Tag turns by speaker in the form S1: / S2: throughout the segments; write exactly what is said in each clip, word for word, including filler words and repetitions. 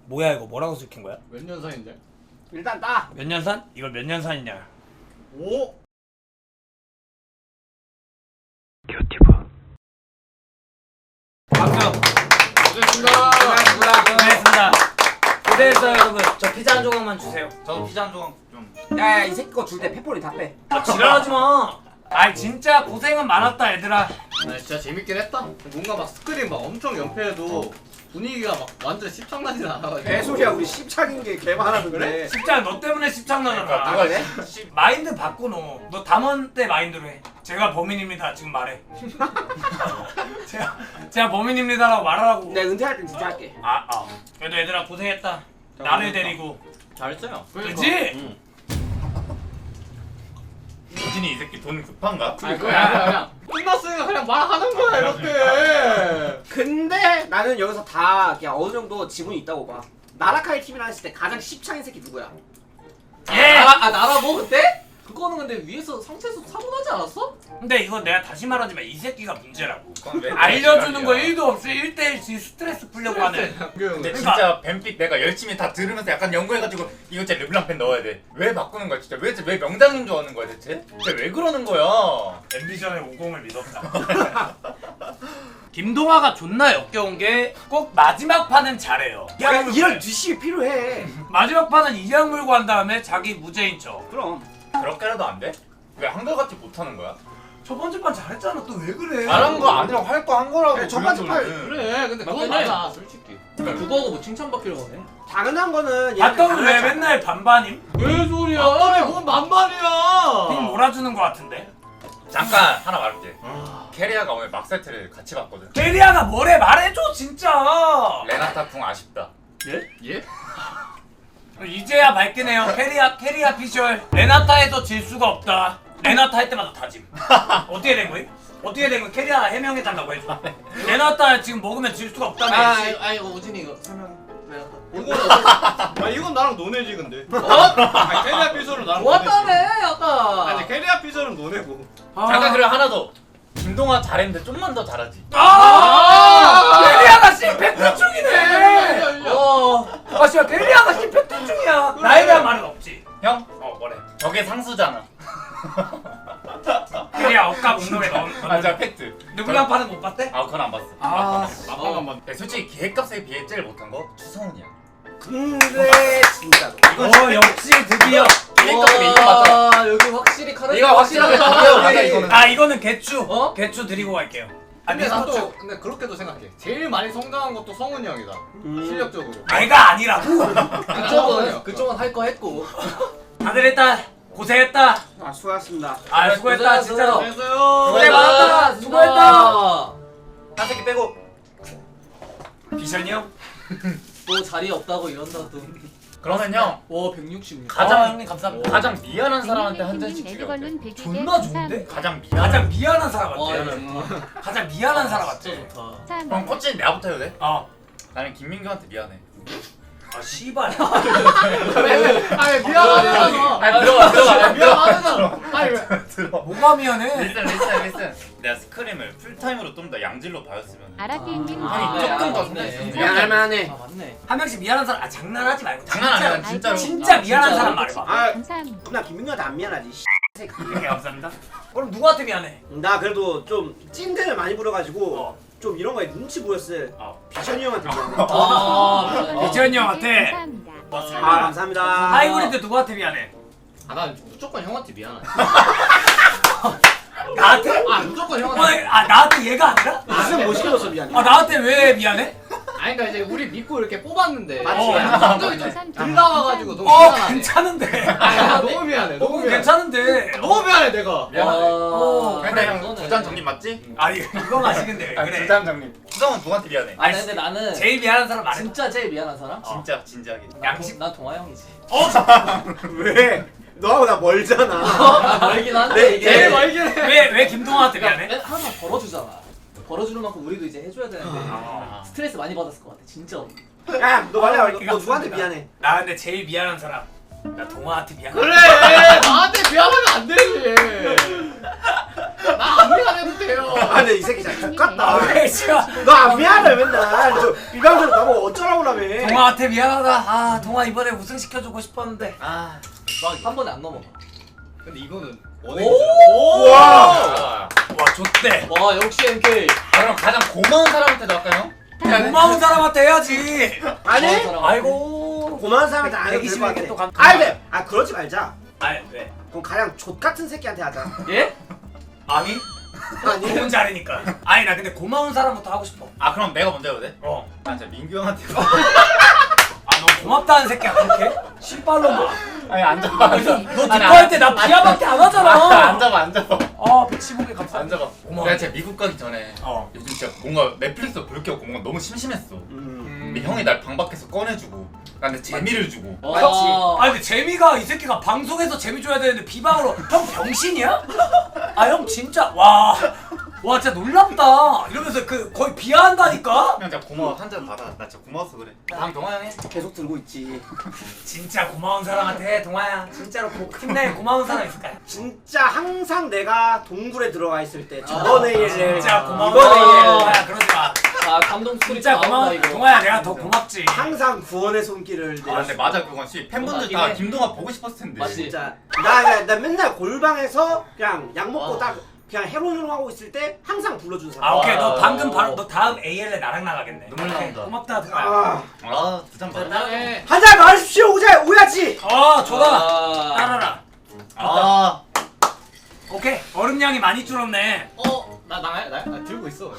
S1: 뭐야 이거 뭐라고 시킨 거야?
S2: 몇 년 사이인데?
S3: 일단 따.
S1: 몇 년 산? 이걸 몇 년 산이냐?
S2: 오.
S1: 박수.
S2: 고생했습니다.
S1: 고생했습니다. 고생했어요 여러분. 저 피자 한 조각만 주세요.
S4: 저도 피자 한 조각 좀.
S3: 야야 이 새끼 거 줄 때 페퍼리 다 빼.
S1: 아 지랄하지 마. 아이 진짜 고생은 많았다 얘들아.
S2: 아 진짜 재밌긴 했다. 뭔가 막 스크린 막 엄청 연패해도 분위기가 막 완전 십창나진 않아가지고.
S3: 개소리야 우리 십창인 게 개 많았는데.
S1: 십장 너 때문에 십장 나잖아.
S4: 누가
S3: 그래?
S4: 씨.
S1: 마인드 바꿔 너. 너 담원 때 마인드로 해. 제가 범인입니다 지금 말해. 제가 제가 범인입니다라고 말하라고.
S3: 내가 은퇴할 땐 진짜 할게.
S1: 아 아. 그래도 얘들아 고생했다. 나를 데리고.
S4: 잘했어요.
S1: 그렇지?
S4: 응. 우진이 이 새끼 돈 급한가?
S2: 아니 그냥 그냥 끝났으니까 그냥 말하는 거야 이렇게.
S3: 근데 나는 여기서 다 그냥 어느 정도 지분이 있다고 봐. 나라카이 팀이랑 했을 때 가장 십창인 새끼 누구야?
S1: 예.
S2: 아, 아 나라 뭐 그때? 그거는 근데 위에서 상체에서 사고 나지 않았어?
S1: 근데 이건 내가 다시 말하지만 이 새끼가 문제라고.
S4: 그건 왜
S1: 알려주는 거
S4: 지랄이야.
S1: 일도 없이 일 대일씩 스트레스 풀려고 하네.
S4: 근데 진짜 뱀픽 내가 열심히 다 들으면서 약간 연구해가지고 이거 진짜 르블랑 펜 넣어야 돼. 왜 바꾸는 거야 진짜? 왜, 왜 명장인 줄 아는 거야 대체? 진짜 왜 그러는 거야?
S1: 앰비션의 오공을 믿었다. 김동아가 존나 역겨운 게 꼭 마지막 판은 잘해요.
S3: 그러니까 이런 뒷심이 필요해.
S1: 마지막 판은 이양 물고 한 다음에 자기 무죄인 척.
S3: 그럼.
S4: 그렇게라도 안 돼? 왜 한결같이 못하는 거야?
S1: 첫 번째 판 잘했잖아. 또 왜 그래?
S4: 잘한 거 아니라고 할 거 한 거라고.
S3: 그래, 첫 번째
S4: 그
S3: 팔-
S4: 정도는.
S2: 그래 근데 그건
S5: 맞긴 해.
S2: 맞아 솔직히.
S5: 그거하고 뭐 칭찬받기로 하네.
S3: 당연한 거는
S1: 봤던 왜
S3: 당연하지.
S1: 맨날 반반임?
S2: 왜 소리야?
S3: 아,
S2: 뭔 만만이야.
S1: 빙 몰아주는 거 같은데?
S4: 잠깐 하나 말할게. 캐리아가 오늘 막세트를 같이 봤거든.
S1: 게리아가 뭐래 말해줘 진짜.
S4: 레나타 궁 아쉽다.
S2: 예?
S1: 이제야 밝히네요. 캐리아 캐리아 피셜. 레나타에서 질 수가 없다. 레나타 할 때마다 다짐. 어떻게 된 거임? 어떻게 된 거임? 캐리아 해명해 달라고 해줘. 레나타 지금 먹으면 질 수가 없다며.
S5: 아,
S1: 씨.
S5: 아, 아 이거 우진이 이거 설명해.
S2: 이건 아 이건 나랑 노네지 근데. 어? 아니 캐리아 피서는 나랑
S5: 좋았다며
S2: 노네지.
S5: 아까.
S2: 아니 캐리아 피서는 노네고.
S4: 잠깐 그래 하나 더. 김동아 잘했는데 좀만 더 잘하지.
S1: 아! 캐리아가 심팩트 중이네.
S5: 어.
S1: 아 씨발 캐리아가 심팩트 중이야. 나에 대한 말은 없지.
S4: 형?
S1: 어 뭐래?
S4: 저게 상수잖아.
S1: 캐리아 억까 운동에 넣은.
S4: 아, 자 팩트.
S1: 누구랑 파는 못 봤대?
S4: 아, 그건 안 봤어.
S1: 아.
S2: 아빠가 만.
S4: 야, 솔직히 기획값에 비해 제일 못한 거 추성훈이야.
S3: 근데 진짜로.
S1: 어 역시 드디어.
S4: 기획값에 비해 이거 맞잖아.
S5: 아, 여기 확실히 카드.
S4: 네가 확실하게 이거 맞아 이거는.
S1: 아 이거는 개추.
S5: 어?
S1: 개추 드리고 갈게요. 아
S2: 근데 난
S1: 미스터추.
S2: 또 근데 그렇게도 생각해. 제일 많이 성장한 것도 성훈이 형이다. 실력적으로.
S1: 내가 아니라고.
S5: 그쪽은 그쪽은 할 거 했고.
S1: 다들 일단 고생했다.
S3: 아 수고하셨습니다.
S1: 아 수고했다 진짜로.
S2: 안녕하세요.
S1: 고생 많았다. 수고했다.
S4: 한 새끼 빼고.
S1: 비션이 형?
S5: 또 자리 없다고 이런다 또.
S4: 그러면 형
S5: 와 백육십육.
S4: 가장-
S1: 아, 형님 감사합니다.
S4: 가장 미안한 사람한테 한 잔씩 주려. 어때?
S1: 존나 좋은데?
S4: 가장 미안.
S1: 가장 미안한 사람
S5: 와
S1: 같아.
S5: 정말.
S1: 가장 미안한 사람 같아.
S5: 진짜 좋다.
S4: 그럼 코치는 내가부터 해도 돼?
S1: 어.
S4: 나는 김민규한테 미안해.
S1: 아 씨발.
S2: 아니 미안하잖아.
S4: 아니 들어가 들어가 들어가.
S2: 미안하잖아. 아니 왜?
S4: 들어.
S1: 뭐가 미안해?
S4: 리슨 리슨 리슨. 내가 스크림을 풀타임으로 좀 더 양질로 봐였으면.
S6: 아라피님
S4: 아니,
S5: 네,
S4: 조금 더
S5: 맞네.
S4: 생각했어.
S3: 미안할 만하네.
S5: 아 맞네.
S1: 한 명씩 미안한 사람. 아 장난하지 말고.
S4: 장난
S1: 진짜,
S4: 아니야 진짜로.
S1: 진짜
S5: 아,
S1: 미안한
S5: 진짜로?
S1: 사람 말해봐.
S3: 아
S6: 감사합니다.
S3: 그럼 나 김민규한테 안 미안하지. 씨.
S1: 네, 감사합니다. 그럼 누구한테 미안해?
S3: 나 그래도 좀 찐텐을 많이 부려가지고
S1: 어.
S3: 좀 이런 거에 눈치 보였을
S1: 어.
S3: 비션이 형한테 미안해.
S5: 아.
S1: 이지현이 형한테.
S6: 감사합니다.
S3: 아 감사합니다.
S1: 하이브리드 누구한테 미안해?
S2: 아난 무조건 형한테 미안하지.
S1: 나한테?
S2: 아 무조건
S1: 어,
S2: 형한테.
S1: 아 나한테 얘가 아니라?
S3: 무슨 못 시켜줘서 미안해.
S1: 아 나한테 왜 미안해?
S2: 아니 그러니까 이제 우리 믿고 이렇게 뽑았는데.
S3: 맞지?
S1: 어.
S2: 감정이 좀 들 나와가지고 너무
S1: 어
S2: 미안하네.
S1: 괜찮은데.
S2: 아니 나 너무 미안해. 너무
S1: 어
S2: 미안해.
S1: 괜찮은데.
S2: 너무 미안해 내가.
S4: 미안하네.
S1: 어,
S4: 근데
S5: 그래,
S4: 형
S5: 이거는.
S4: 두잔 정립 맞지?
S1: 아니 이거 마시는데 왜
S4: 아니
S1: 그래?
S4: 두잔 정립. 수성은 누구한테 미안해?
S5: 아니 근데 나는
S1: 제일 미안한 사람 말해.
S5: 진짜 제일 미안한 사람?
S4: 진짜 진지하게.
S1: 양심.
S5: 난 동아 형이지.
S1: 어?
S3: 왜? 너하고 나 멀잖아.
S5: 나 멀긴 한데
S3: 네,
S5: 이게.
S2: 제일 멀긴 해.
S1: 왜 왜 김동아한테 미안해?
S5: 맨- 항상 벌어주잖아. 벌어주는 만큼 우리도 이제 해줘야 되는데
S1: 아.
S5: 스트레스 많이 받았을 것 같아 진짜.
S3: 야, 너 말해. 너,
S1: 어,
S3: 너 누구한테 미안해?
S1: 나 근데 제일 미안한 사람. 나 동아한테 미안해.
S2: 그래 나한테 미안하면 안 되지. 나안 미안해도 돼요.
S3: 아 근데 이 새끼 진짜 X같다.
S1: 왜 씨발
S3: 너 안 미안해 맨날. 너 비방송 나보고 어쩌라고 라며.
S1: 동아한테 미안하다. 아 동아 이번에 우승 시켜주고 싶었는데.
S4: 아.
S5: 한 번에 안 넘어가.
S2: 근데 이거는
S5: 오!
S2: 원액이잖아.
S3: 와.
S1: 와 좋대.
S5: 와 역시 엠케이.
S4: 아, 그럼 가장 고마운 사람한테 할까요?
S1: 고마운 사람한테 해야지.
S3: 아니?
S1: 아이고.
S3: 고마운 사람한테 안 해도 될것
S1: 백이십에게 또
S3: 같아.
S1: 감-
S3: 아니 근데 아 그러지 말자.
S1: 아 왜?
S3: 그럼 가장 족 같은 새끼한테 하자.
S5: 예?
S1: 아니?
S3: 아니.
S1: 좋은 자리니까. 아니 나 근데 고마운 사람부터 하고 싶어.
S4: 아, 그럼 내가 먼저 해도 돼?
S1: 어.
S4: 아, 진짜 민규 형한테.
S1: 아 너 고맙다는 새끼야 그렇게? 신발로마.
S4: 아니, 안 잡아. 안 잡아.
S1: 너 니꺼 할 때 나 비하밖에 안 하잖아.
S4: 안 잡아, 안 잡아.
S1: 아 백십오 개
S4: 안
S1: 감사합니다.
S4: 잡아.
S1: 고마워.
S4: 내가 진짜 미국 가기 전에
S1: 어.
S4: 요즘 진짜 뭔가 넷플릭스 볼 게 없고 뭔가 너무 심심했어.
S3: 음.
S4: 근데 형이 날 방 밖에서 꺼내주고 나한테 재미를 주고.
S5: 어.
S1: 아니 근데 재미가 이 새끼가 방송에서 재미 줘야 되는데 비방으로 형 병신이야? 아 형 진짜 와. 와 진짜 놀랍다 이러면서 그 거의 비하한다니까?
S4: 형 진짜 고마워. 한 잔 받아. 나 진짜 고마워서 그래. 다음 동아 형이.
S3: 계속 들고 있지.
S1: 진짜 고마운 사람한테 동아야 진짜로 고, 힘내 고마운 사람 있을까요?
S3: 진짜 항상 내가 동굴에 들어가 있을 때 저번
S5: 아,
S3: A를
S1: 진짜 고마운
S3: 이번
S1: 사람
S3: A를
S1: 동아야 그러지 마
S5: 아 감동 스토리
S1: 진짜
S5: 나온다,
S1: 고마운
S5: 이거.
S1: 동아야 내가 더 고맙지
S3: 항상 구원의 손길을
S4: 아 근데
S3: 내렸어.
S4: 맞아 그건 씨 팬분들 다
S5: 맞긴 해.
S4: 김동아 보고 싶었을 텐데.
S5: 맞지.
S3: 진짜 나, 나, 나 맨날 골방에서 그냥 약 먹고
S5: 어.
S3: 딱 그냥 헤로인으로 하고 있을 때 항상 불러준 사람.
S1: 아 오케이 너
S5: 아.
S1: 방금 바로 너 다음 에이엘에 나랑 나가겠네
S4: 눈물 나온다.
S1: 고맙다 동아야
S3: 아,
S4: 아, 두 잔 받아.
S5: 나네.
S3: 한잔 마십시오 오자 오야지.
S1: 어 줘라
S5: 아.
S1: 따라라
S4: 아,
S1: 오케이 얼음량이 많이 줄었네
S2: 어? 나 나야? 나? 나 들고 있어.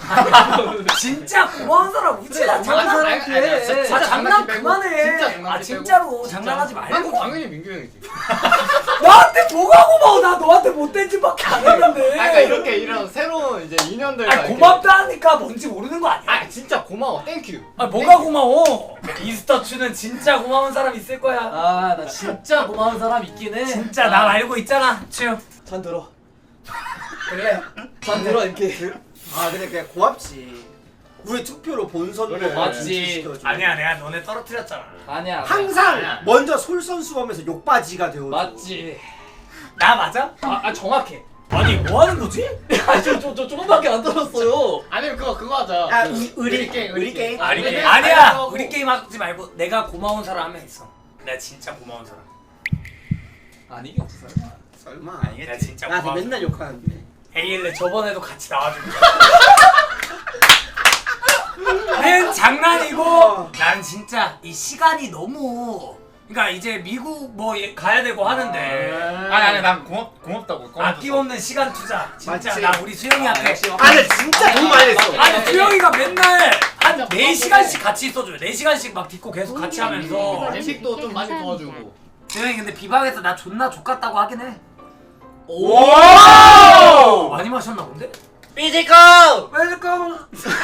S1: 진짜 고마운 사람 우지야 장난
S2: 아니, 아니, 아니,
S1: 해
S2: 진짜
S1: 아 장난
S2: 장난기 빼고.
S1: 그만해
S2: 진짜 장난기
S1: 아
S2: 빼고.
S1: 진짜로
S2: 진짜.
S1: 장난하지
S2: 난
S1: 말고
S2: 당연히 민규 형이지.
S1: 나한테 뭐가 고마워 나 너한테 못된 짓밖에 안 했는데
S2: 아, 그러니까 이렇게 이런 새로운 이제 인연들과
S1: 아니,
S2: 이렇게-
S1: 고맙다니까 뭔지 모르는 거 아니야?
S2: 아 진짜 고마워. 땡큐.
S1: 아 뭐가 고마워 이스터추는 진짜 고마운 사람 있을 거야
S5: 아 나 진짜 고마운 사람 있긴 해.
S1: 진짜 나 알고 있잖아 츄
S5: 잔 들어.
S3: 그래.
S5: 잔 들어 이렇게.
S3: 아 그래 그래 고맙지. 우리 투표로 본선으로
S2: 그래.
S5: 맞지.
S1: 아니야 내가 너네 떨어뜨렸잖아
S5: 아니야.
S3: 항상
S2: 아니야.
S3: 먼저 솔선수범해서 욕바지가 되어줘.
S5: 맞지.
S1: 나 맞아?
S5: 아, 아 정확해.
S1: 아니 뭐 하는 거지?
S5: 아저저 조금밖에 안 들었어요.
S2: 아니면 그거 그거 하자.
S3: 야,
S2: 그
S3: 의- 의리
S2: 게임,
S3: 의리 게임.
S1: 아니
S2: 네,
S1: 아니야
S2: 아니라고.
S1: 우리 게임 하지 말고 내가 고마운 사람 한 명 있어 내가 진짜 고마운 사람
S5: 아니겠지 설마.
S3: 설마.
S1: 내가 진짜
S3: 나한테
S1: 고마운
S3: 맨날 욕하는데.
S1: 에이엘레 저번에도 같이 나와주고 는 장난이고 난 진짜 이 시간이 너무 그러니까 이제 미국 뭐 예- 가야 되고 하는데
S4: 아니 아니 난 고맙 고맙다고. 꺼내줬어.
S1: 아낌없는 시간 투자 진짜
S3: 맞지.
S1: 나 우리 수영이한테
S5: 역시
S3: 아 근데 진짜 돈 많이 냈어.
S1: 아니 수영이가 맨날 한
S2: 진짜
S1: 네 시간씩 같이 있어줘요 네 시간씩 막 딛고 계속 같이 하면서
S2: 음식도 좀 많이 도와주고.
S1: 수영이 근데 비방에서 나 존나 족같다고 하긴 해
S3: 오!
S1: 많이 마셨나 본데?
S4: 삐지고.
S1: 웰컴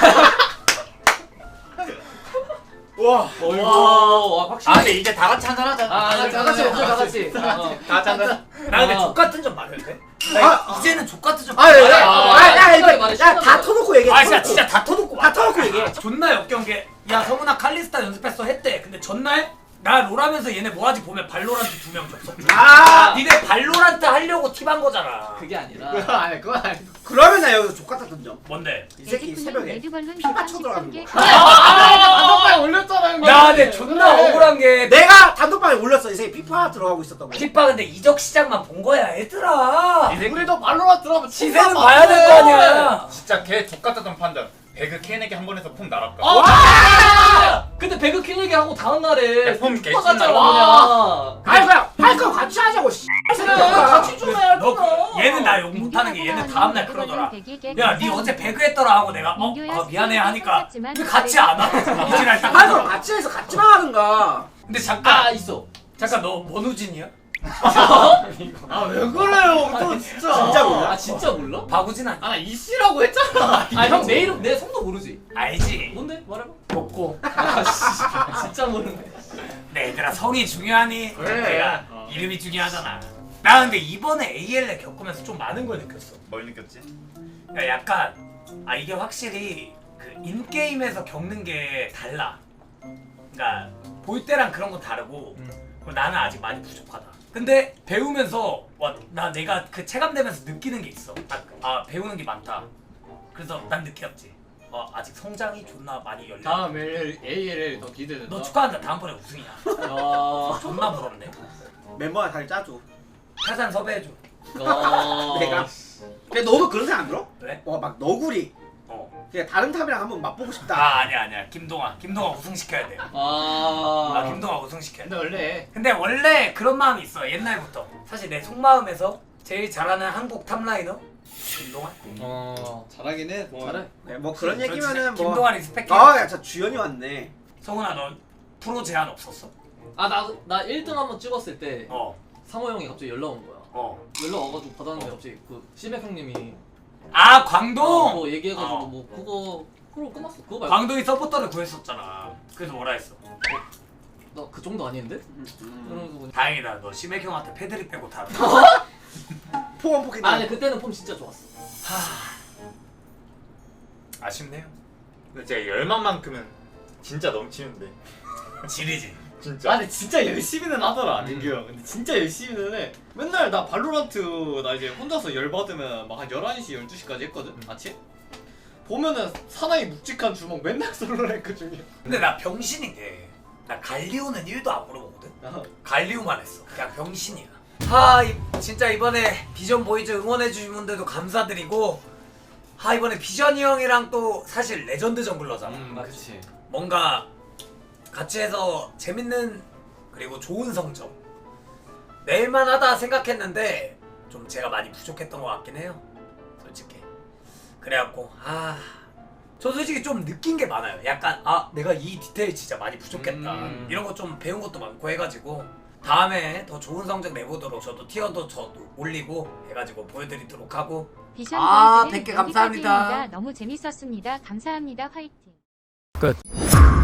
S3: 와.
S5: 어이구. 와 확실히.
S4: 아 근데 이제 다 같이 한잔 하자.
S5: 아, 다 같이 먹자, 다 같이. 어.
S4: 다 같이 한잔.
S1: 나 근데
S5: 아.
S1: 족같은 점 말해도 돼?
S3: 아,
S1: 나 이제는 족같은 점
S3: 아, 야,
S1: 말해.
S3: 야,
S5: 아,
S3: 야, 야,
S5: 신나게
S3: 야,
S5: 말해,
S3: 야,
S5: 신나게
S3: 다
S5: 말해.
S3: 터놓고 얘기해.
S1: 아 진짜
S3: 터놓고.
S1: 진짜 다 터놓고
S3: 다 터놓고 얘기해.
S1: 존나 역겨운 게 야 성훈아 칼리스타 연습했어 했대 근데 전날 나 롤하면서 얘네 뭐하지 보면 발로란트 두 명 줬어
S3: 아,
S1: 니네 발로란트 하려고 팁한 거잖아
S5: 그게 아니라.
S2: 그거 아니 그건 아니.
S3: 그러면 나 여기서 족같았던 점.
S1: 뭔데?
S3: 이 새끼 새벽에 피파 쳐들어가는 거.
S2: 단톡방에 올렸잖아 형님.
S1: 야 근데 존나 억울한 게
S3: 내가 단톡방에 올렸어. 이 새끼 피파 들어가고 있었던 거.
S1: FIFA 근데 이적 시장만 본 거야 얘들아
S2: 우리도 발로라 들어가면
S1: 시세는 봐야 될 거 아니야
S4: 진짜 걔 족같았던 판단. 배그 캔에게 한 번에서 폼 날았까.
S5: 어? 아! 근데 배그 킨 얘기하고 다음 날에
S4: 야, 폼
S5: 피파 갔잖아
S4: 개신나.
S5: 그냥.
S3: 아니 그냥 할 거 같이 하자고. 씨.
S5: 그래 같이 좀 해야
S1: 너
S5: 할거나.
S1: 그- 얘는 나 욕 못하는 게 얘는 다음날 그러더라 야 니 어제 배그 했더라 하고 내가 어? 아 미안해 하니까 왜 같이 안 와? 이지랄 딱
S3: 할 거
S1: 하더라.
S3: 같이 해서 같이만 하든가.
S1: 근데
S5: 아
S1: 잠깐
S5: 있어.
S1: 잠깐 너 원우진이야?
S2: 아 왜 그래요? 또 진짜.
S3: 진짜 몰라?
S5: 아 진짜 몰라?
S1: 바구진 아니야?
S2: 아 이씨라고 했잖아.
S5: 아 형 내 이름 내 성도 모르지?
S1: 알지?
S5: 뭔데? 말해봐.
S1: 먹고
S5: 아 진짜 모르네.
S1: 내 얘들아 성이 중요하니?
S2: 그래.
S1: 내가
S2: 어.
S1: 이름이 중요하잖아 나 근데 이번에 에이엘에 겪으면서 좀 많은 걸 느꼈어
S4: 뭘 느꼈지?
S1: 야, 약간 아 이게 확실히 그 인게임에서 겪는 게 달라 그러니까 볼 때랑 그런 건 다르고 그리고 나는 아직 많이 부족하다 근데 배우면서 와, 나 내가 그 체감되면서 느끼는 게 있어. 아, 아 배우는 게 많다. 그래서 난 느꼈지. 와 아직 성장이 존나 많이 열려.
S2: 다음 에이엘엘 더 기대된다.
S1: 너 축하한다. 다음번에 우승이야.
S5: 아.
S1: 존나 부럽네.
S3: 멤버가 잘 짜줘.
S1: 타잔 섭외해줘.
S5: 아.
S3: 내가. 근데 너도 그런 생각 안 들어?
S1: 왜?
S3: 와 막 너구리.
S1: 어.
S3: 그냥 다른 탑이랑 한번 맛보고 싶다.
S1: 아 아니야 아니야. 김동아. 김동아 우승시켜야 돼.
S5: 아.
S1: 아 김동아 우승시켜야 돼.
S2: 근데 원래
S1: 근데 원래 그런 마음이 있어. 옛날부터. 사실 내 속마음에서 제일 잘하는 한국 탑라이너 김동아.
S5: 어.
S2: 잘하긴 해. 뭐.
S5: 잘해.
S3: 네, 뭐 그런 얘기면은 뭐.
S1: 김동아 리스펙해.
S3: 아, 야, 저 주연이 왔네.
S1: 성훈아 너 프로 제한 없었어?
S5: 아, 나, 나 일 등 한번 찍었을 때
S1: 어.
S5: 상호 형이 갑자기 연락 온 거야.
S1: 어.
S5: 연락 와가지고 받았는데 갑자기 그 시맥 형님이
S1: 아 광동.
S5: 어, 뭐 얘기해가지고
S1: 어.
S5: 뭐 그거 그거 끝났어. 그거 말고
S1: 광동이 서포터를 구했었잖아. 그래서 뭐라 했어?
S5: 나 그 정도 아닌데?
S3: 음.
S5: 그러면서 그냥
S1: 다행이다. 너 심해 형한테 패드립 빼고 다.
S3: 포원 포켓.
S5: 아 근데 그때는 폼 진짜 좋았어.
S1: 아쉽네요.
S4: 근데 제가 열만만큼은 진짜 넘치는데
S1: 지리지.
S4: 진짜.
S2: 아 근데 진짜 열심히는 하더라
S4: 음.
S2: 민규 형. 근데 진짜 열심히는 해. 맨날 나 발로란트 나 이제 혼자서 열받으면 막 한 열한 시 열두 시까지 했거든 아침. 보면은 사나이 묵직한 주먹 맨날 솔로랭크 중이야.
S1: 근데 나 병신인 게. 나 갈리오는 일도 안 물어보거든. 갈리오만 했어. 그냥 병신이야. 하 이, 진짜 이번에 비전 보이즈 응원해주신 분들도 감사드리고. 하 이번에 비전이 형이랑 또 사실 레전드 정글러잖아.
S2: 음 그치.
S1: 뭔가 같이 해서 재밌는 그리고 좋은 성적 낼만 하다 생각했는데 좀 제가 많이 부족했던 것 같긴 해요 솔직히. 그래갖고 아 저 솔직히 좀 느낀 게 많아요. 약간 아 내가 이 디테일 진짜 많이 부족했다
S2: 음.
S1: 이런 거 좀 배운 것도 많고 해가지고 다음에 더 좋은 성적 내보도록 저도 티어도 저도 올리고 해가지고 보여드리도록 하고.
S6: 비션
S1: 아,
S6: 보이즈는
S1: 백 개 감사합니다.
S6: 여기까지입니다. 너무 재밌었습니다. 감사합니다. 화이팅.
S1: 끝.